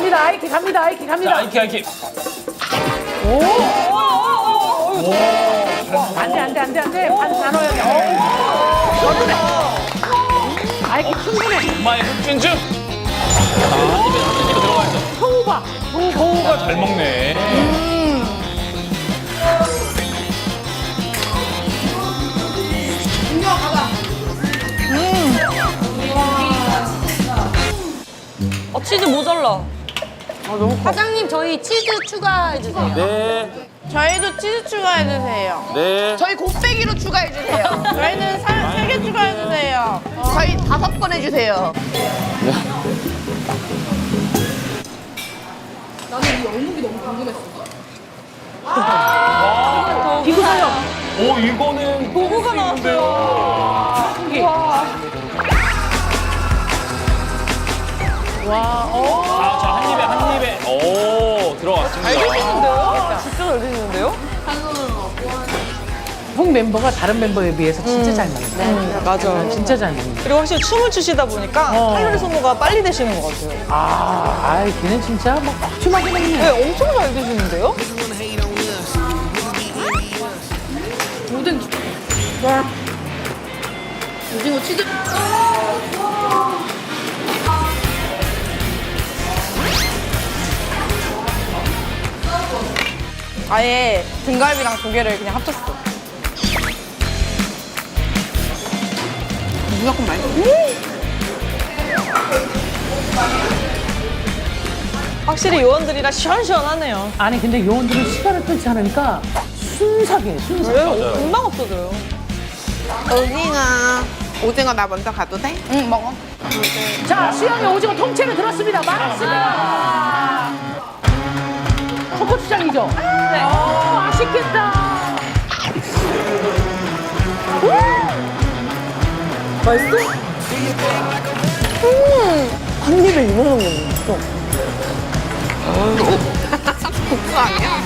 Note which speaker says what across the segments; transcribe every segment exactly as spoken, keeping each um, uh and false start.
Speaker 1: 갑니다. 아이키 갑니다. 아이키 갑니다.
Speaker 2: 자, 아이키, 아이키.
Speaker 1: 오.
Speaker 2: 오,
Speaker 1: 안돼 안돼 안돼 안돼. 반 나눠야 돼. 오. 아이키 충분해.
Speaker 2: 엄마의 흑진주. 자, 한 입에, 한 입에 들어가 있어.
Speaker 1: 호우봐.
Speaker 2: 호우가 잘 먹네.
Speaker 3: 어, 치즈 모자라. 사장님, 저희 치즈 추가해주세요.
Speaker 2: 네,
Speaker 4: 저희도 치즈 추가해주세요.
Speaker 2: 네.
Speaker 4: 저희 곱빼기로 추가해주세요. 저희는 세 개 추가해주세요. 저희 다섯 번 해주세요.
Speaker 1: 비구사요.
Speaker 2: 오, 이거는.
Speaker 3: 보고가 나왔어요.
Speaker 1: 와. 오.
Speaker 2: 자, 자, 한 입에, 한 입에. 오, 들어갔습니다.
Speaker 3: 드시는데요? 진짜 잘 드시는데요?
Speaker 1: 형 멤버가 다른 멤버에 비해서 진짜 잘 먹는다.
Speaker 3: 네, 맞아요.
Speaker 1: 진짜 잘 먹는다.
Speaker 3: 그리고 확실히 춤을 추시다 보니까
Speaker 1: 어.
Speaker 3: 칼로리 소모가 빨리 되시는 것 같아요.
Speaker 1: 아, 아이 걔는 진짜 뭐 빡춤하게 먹네.
Speaker 3: 네, 엄청 잘 드시는데요?
Speaker 4: 오징어 치즈. 아예 등갈비랑 조개를 그냥 합쳤어. 무조건 맛있어.
Speaker 3: 확실히 요원들이라 시원시원하네요.
Speaker 1: 아니 근데 요원들은 시간을 끌지 않으니까 순삭이에요. 순삭.
Speaker 3: 왜? 어, 금방 없어져요.
Speaker 4: 오징어. 오징어 나 먼저 가도 돼? 응, 먹어.
Speaker 1: 자, 수영이 오징어 통째로 들었습니다. 많았습니다. 초고추장이죠? 네. 어, 맛있겠다.
Speaker 3: 맛있어? 음, 한 입에 이만한 게 없어.
Speaker 4: 국수 아니야?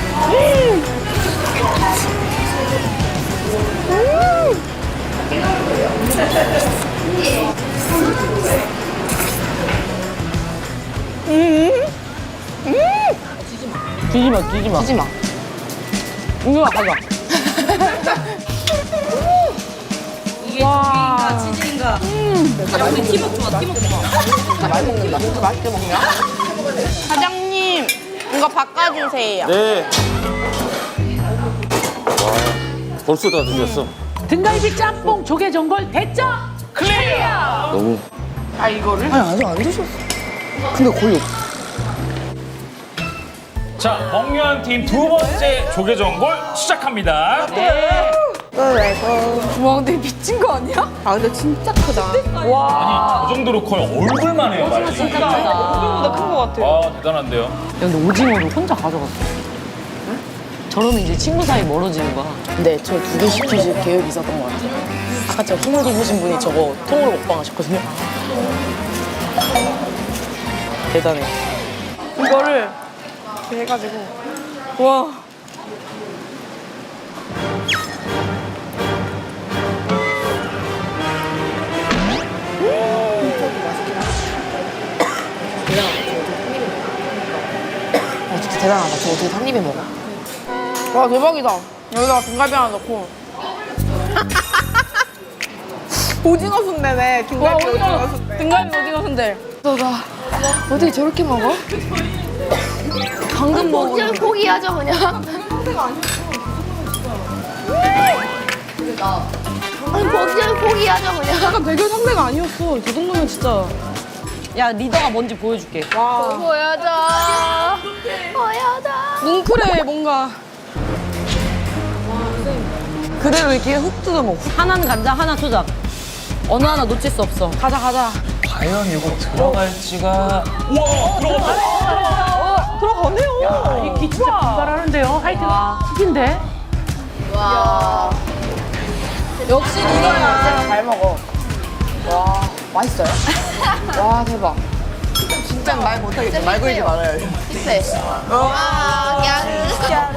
Speaker 3: 뒤지 마, 뒤지 마.
Speaker 4: 하지 마.
Speaker 3: 이거 가자.
Speaker 4: 이게 조개인가 치즈인가? 야, 우리 팀워크 좋아, 팀워크 좋아. 많이 먹는다. 진짜 맛있게 먹냐? 사장님, 이거 바꿔주세요.
Speaker 2: 네. 와, 벌써 다 드셨어.
Speaker 1: 등갈비 짬뽕 조개 전골 대짜 클리어.
Speaker 2: 너무.
Speaker 4: 아, 이거를?
Speaker 3: 아니, 아직 안 드셨어. 근데 거의 없어.
Speaker 2: 자, 먹류한 팀 두 번째 조개전골 시작합니다.
Speaker 4: 와, 근데 미친 거 아니야? 아, 근데 진짜 크다.
Speaker 2: 아니, 저 정도로 거의 얼굴만 해요, 말이.
Speaker 3: 진짜 얼굴보다 큰 것 같아요.
Speaker 2: 와, 대단한데요.
Speaker 5: 야, 근데 오징어를 혼자 가져갔어. 저러면 이제 친구 사이 멀어지는 거야.
Speaker 6: 네, 저 두 개 시키실 계획이 있었던 것 같아요. 아까 제가 통으로 보신 분이 저거 통으로 먹방 하셨거든요. 대단해.
Speaker 4: 이거를 이렇게 해가지고. 와.
Speaker 6: 아, 진짜 대단하다. 저 어떻게 한 입에 먹어?
Speaker 4: 와, 대박이다. 여기다가 등갈비 하나 넣고. 오징어 순대네. 등갈비 오징어 순대. 등갈비 오징어 순대.
Speaker 6: 너나 어떻게 저렇게 먹어? 방금 먹은
Speaker 7: 그냥 포기하죠 그냥. 아니 그냥 포기하죠 그냥.
Speaker 4: 약간 대결 상대가 아니었어. 저 정도면 진짜.
Speaker 3: 야, 리더가 뭔지 보여줄게.
Speaker 4: 와.
Speaker 7: 보여줘. 보여줘.
Speaker 4: 뭉클해, 뭔가.
Speaker 3: 그대로 이렇게 훅 뜯어 먹고. 하나는 간장, 하나 초장. 어느 하나 놓칠 수 없어.
Speaker 4: 가자, 가자.
Speaker 2: 과연 이거 들어갈지가. 와, 들어갔다.
Speaker 3: 들어가네요.
Speaker 1: 야, 이키 진짜 분발하는데요. 하여튼 튀긴데.
Speaker 7: 와.
Speaker 4: 역시 리더야. 잘 먹어.
Speaker 6: 와, 맛있어요? 와, 대박.
Speaker 4: 진짜 말 못하겠어. 말 걸지 말아요.
Speaker 7: 네. 와, 야.